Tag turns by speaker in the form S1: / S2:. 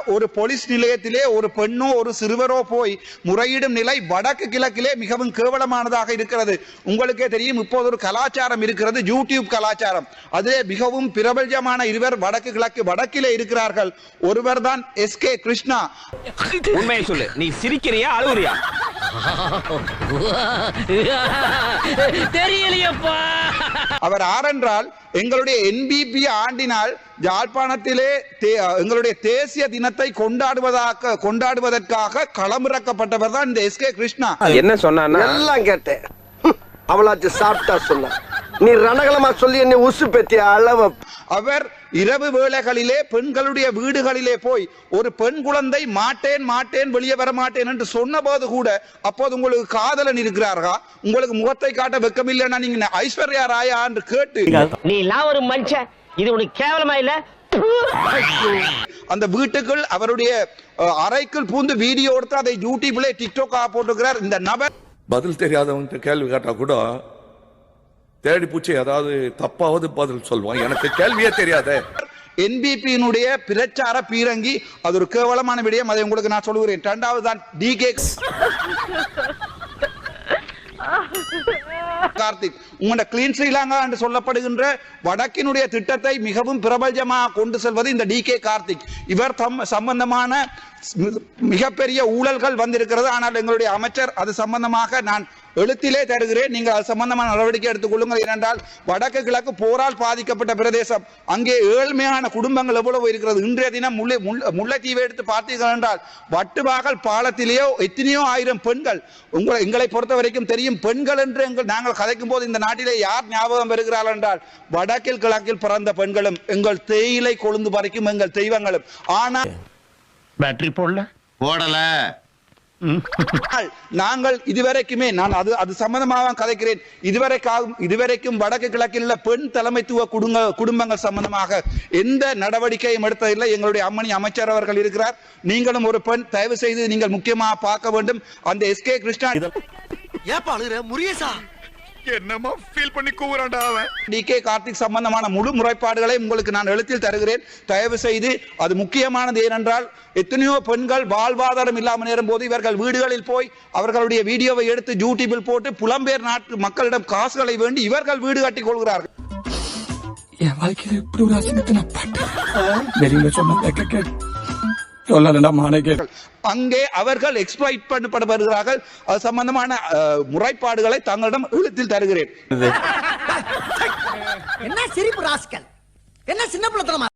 S1: ஒரு போலீஸ் நிலையத்திலே ஒரு பெண்ணோ ஒரு சிறுவரோ போய் முறையிடும் நிலை வடக்கு கிழக்கிலே மிகவும் கேவலமானதாக இருக்கிறது. உங்களுக்கே தெரியும், இப்போது ஒரு கலாச்சாரம் இருக்கிறது, யூடியூப் கலாச்சாரம். அதிலே மிகவும் பிரபலமான இருவர் வடக்கு கிழக்கு வடக்கிலே இருக்கிறார்கள். ஒருவர் தான் எஸ்கே கிருஷ்ணா.
S2: உண்மையை சொல்லு, நீ சிரிக்கிறியா அழுவுறியா? தெரியலையப்பா.
S1: அவர் ஆரென்றால் எங்களுடைய என்பிபி ஆண்டினால் யாழ்ப்பாணத்திலே எங்களுடைய தேசிய தினத்தை கொண்டாடுவதற்காக களமிறக்கப்பட்டவர் தான் இந்த எஸ்கே கிருஷ்ணா.
S2: என்ன சொன்னான்னா
S3: எல்லாம் கேட்டேன். அவளாச்சு சாப்பிட்டா சொன்ன, நீ ரணகலமா சொல்லி என்ன உசு பெத்திய அளவ.
S1: அவர் இரவு வேளைகளிலே பெண்களுடைய வீடுகளிலே போய் ஒரு பெண் குழந்தை மாட்டேன் மாட்டேன் வெளியே வர மாட்டேன் என்று சொன்ன போது கூட, அப்போது உங்களுக்கு காதலன் இருக்கிறார்களா, உங்களுக்கு முகத்தை காட்ட வெக்கமில்லைன்னா நீங்க ஐஸ்வர்யா ராயா என்று கேட்டு,
S4: நீ எல்லாம் ஒரு மனுஷன், இது உனக்கு கேவலமா இல்ல?
S1: அந்த வீட்டுக்குள் அவருடைய அறைக்குள் பூந்து வீடியோ எடுத்து அதை யூடியூப்ல டிக்டாக் போட்டுக்கிறார் இந்த நபர்.
S5: பதில் தெரியாதவங்க கேள்வி கேட்டா கூட தேடி பூச்சி அதாவது தப்பாவது பதில் சொல்லுவான். எனக்கு கேள்வியே தெரியாதே.
S1: என்பிபியினுடைய பிரச்சார பீரங்கி, அது ஒரு கேவலமான விடயம். அதை உங்களுக்கு நான் சொல்லுகிறேன். இரண்டாவது தான் டிகே கார்த்திக். உங்களோட கிளீன் ஸ்ரீலங்கா என்று சொல்லப்படுகின்ற வடக்கினுடைய திட்டத்தை மிகவும் பிரபலமாக கொண்டு செல்வது இந்த டிகே கார்த்திக். இவர் சம்பந்தமான மிகப்பெரிய ஊழல்கள் வந்திருக்கிறது. ஆனால் எங்களுடைய அமைச்சர் அது சம்பந்தமாக நான் எழுத்திலே தருகிறேன், நீங்கள் அது சம்பந்தமான நடவடிக்கை எடுத்துக் கொள்ளுங்கள். ஏனென்றால் வடக்கு கிழக்கு போரால் பாதிக்கப்பட்ட பிரதேசம், அங்கே ஏழ்மையான குடும்பங்கள் எவ்வளவு இருக்கிறது. இன்றைய தினம் முல்லைத்தீவை எடுத்து பார்த்தீர்கள் என்றால் வட்டுவாகல் பாலத்திலேயோ எத்தனையோ ஆயிரம் பெண்கள். எங்களை பொறுத்த வரைக்கும் தெரியும், பெண்கள் என்று நாங்கள் கதைக்கும் போது இந்த நாட்டிலே யார் ஞாபகம் வருகிறார்கள் என்றால் வடக்கில் கிழக்கில் பிறந்த பெண்களும் எங்கள் தேயிலை கொழுந்து பறிக்கும் எங்கள் தெய்வங்களும். ஆனால்
S6: பேட்டரி போடல.
S1: நாங்கள் இதுவரைக்குமே நான் அது சம்பந்தமாக கதைக்கிறேன். இதுவரைக்கும் வடக்கு கிழக்கில் பெண் தலைமைத்துவ குடும்பங்கள் சம்பந்தமாக எந்த நடவடிக்கையும் எடுத்ததில்லை. எங்களுடைய அம்மணி அமைச்சர் அவர்கள் இருக்கிறார். நீங்களும் ஒரு பெண், தயவு செய்து நீங்கள் முக்கியமாக பார்க்க வேண்டும். அந்த எஸ்கே கிருஷ்ணா
S5: என்னமா ஃபீல் பண்ணி கூவுறான்டா அவன்.
S1: டிகே கார்த்திக் சம்பந்தமான முழு முறைப்பாடுகளை உங்களுக்கு நான் எழுத்தில் தருகிறேன். தயவு செய்து அது முக்கியமானது. ஏனென்றால் எத்தனையோ பெண்கள் வாழ்வாதாரம் இல்லாமல் நேரும் போது இவர்கள் வீடுகளில் போய் அவர்களுடைய வீடியோவை எடுத்து யூடியூபில் போட்டு புலம்பெயர் நாட்டு மக்களிடம் காசுகளை வேண்டி இவர்கள் வீடு கட்டிக் கொள்கிறார்கள்.
S7: என் வாழ்க்கையில் இப்படி ஒரு அசிங்கத்தை நான் பட்டேன். வெளியில சொன்ன
S1: அங்கே அவர்கள் எக்ஸ்ப்ளாய்ட் பண்ணப்படுகிறார்கள். அது சம்பந்தமான முறைப்பாடுகளை தங்களிடம் எழுத்தில் தருகிறேன்.
S3: என்ன சிரிப்பு ராஸ்கல், என்ன சின்ன பிள்ளைத்தனமா.